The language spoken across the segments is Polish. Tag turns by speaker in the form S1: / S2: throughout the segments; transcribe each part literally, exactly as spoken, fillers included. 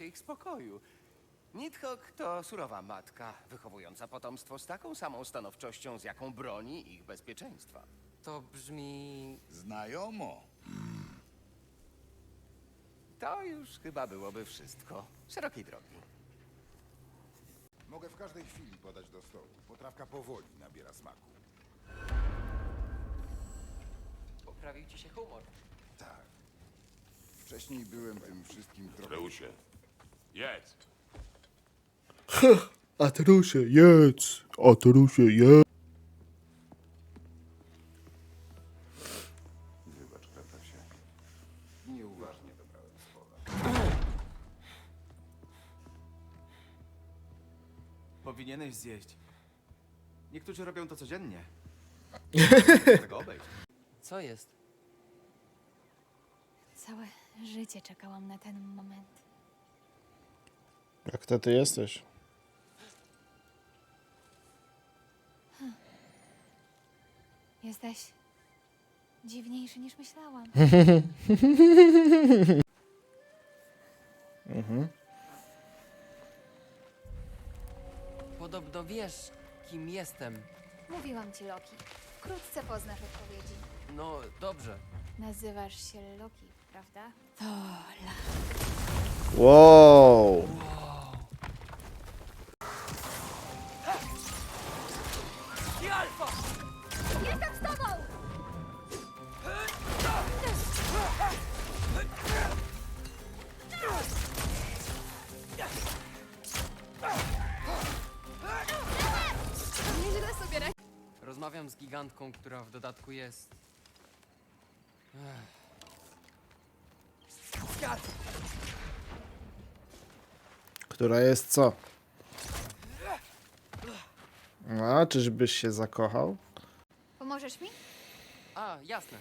S1: ich spokoju. Nidhogg to surowa matka, wychowująca potomstwo z taką samą stanowczością, z jaką broni ich bezpieczeństwa.
S2: To brzmi...
S3: Znajomo.
S1: To już chyba byłoby wszystko. Szerokiej drogi.
S3: Mogę w każdej chwili podać do stołu. Potrawka powoli nabiera smaku.
S2: Poprawił ci się humor.
S3: Tak. Wcześniej byłem tym wszystkim trochę...
S4: Reusie, jedz.
S5: Atrusie, jedz! Atrusie, jedz!
S3: Wybacz, Kratasie. Nieuważnie dobrałem słowa.
S6: Powinieneś zjeść. Niektórzy robią to codziennie. Tego obejść.
S2: Co jest?
S7: Całe życie czekałam na ten moment.
S5: Jak to ty jesteś?
S7: Jesteś dziwniejszy niż myślałam.
S2: Podobno wiesz, kim jestem.
S7: Mówiłam ci, Loki. Wkrótce poznasz odpowiedzi.
S2: No, dobrze.
S7: Nazywasz się Loki, prawda? To la.
S5: Wow!
S7: Jestem z tobą! Nieźle sobie radzi.
S2: Rozmawiam z gigantką, która w dodatku jest... Ech.
S5: Która jest co? A, czyżbyś się zakochał?
S7: Pomożesz mi?
S2: A, jasne.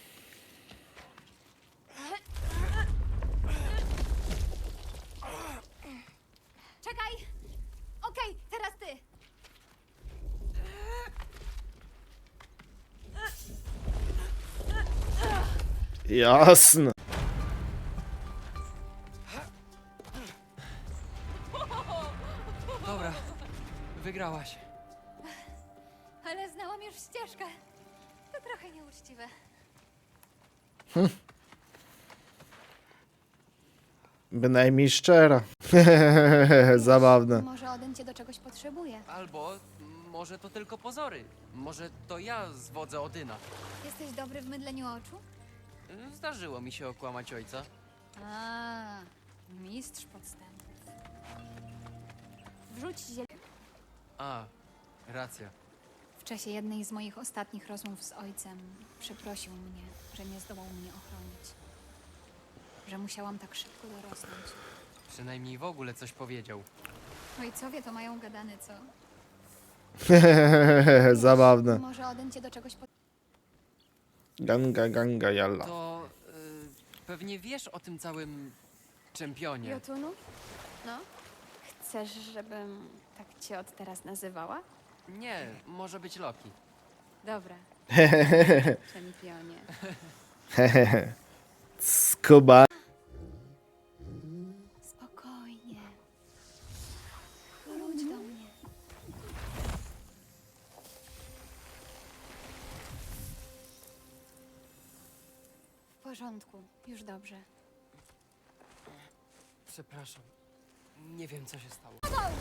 S7: Czekaj! Okej, teraz ty!
S5: Jasne.
S2: Dobra, wygrałaś.
S7: Ale znałam już ścieżkę. To trochę nieuczciwe.
S5: Bynajmniej szczera. Zabawne.
S7: Może Odyn cię do czegoś potrzebuje.
S2: Albo m, może to tylko pozory. Może to ja zwodzę Odyna.
S7: Jesteś dobry w mydleniu oczu?
S2: Y, Zdarzyło mi się okłamać ojca.
S7: A, mistrz podstępów. Wrzuć ziel...
S2: A, racja.
S7: W czasie jednej z moich ostatnich rozmów z ojcem przeprosił mnie, że nie zdołał mnie ochronić. Że musiałam tak szybko dorosnąć.
S2: Przynajmniej w ogóle coś powiedział.
S7: Ojcowie to mają gadane, co?
S5: Zabawne.
S7: Może Odyn cię do czegoś po...
S5: Ganga, ganga, jalla.
S2: To y, pewnie wiesz o tym całym czempionie.
S7: Jotunu? No? Chcesz, żebym tak cię od teraz nazywała?
S2: Nie, może być Loki.
S7: Dobra. Czempionie.
S5: Skuba.
S7: Spokojnie. Wróć do mnie. W porządku, już dobrze.
S2: Przepraszam. Nie wiem, co się stało.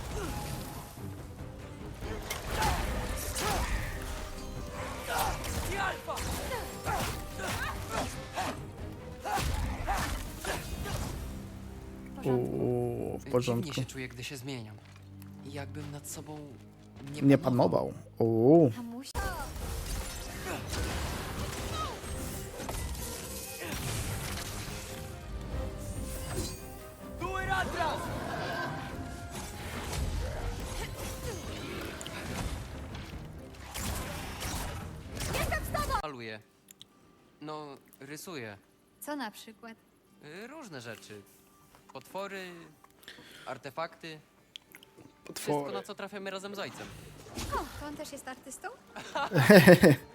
S7: W porządku.
S5: Uuu, w
S2: Dziwnie
S5: porządku.
S2: się czuję, gdy się zmieniam. Jakbym nad sobą nie,
S5: Nie panował. Uuu.
S7: Mamuś...
S2: Maluję. No, rysuję.
S7: Co na przykład?
S2: Y, Różne rzeczy. Potwory, artefakty. Wszystko,
S5: Potwory.
S2: na co trafiamy razem z ojcem.
S7: O, to on też jest artystą?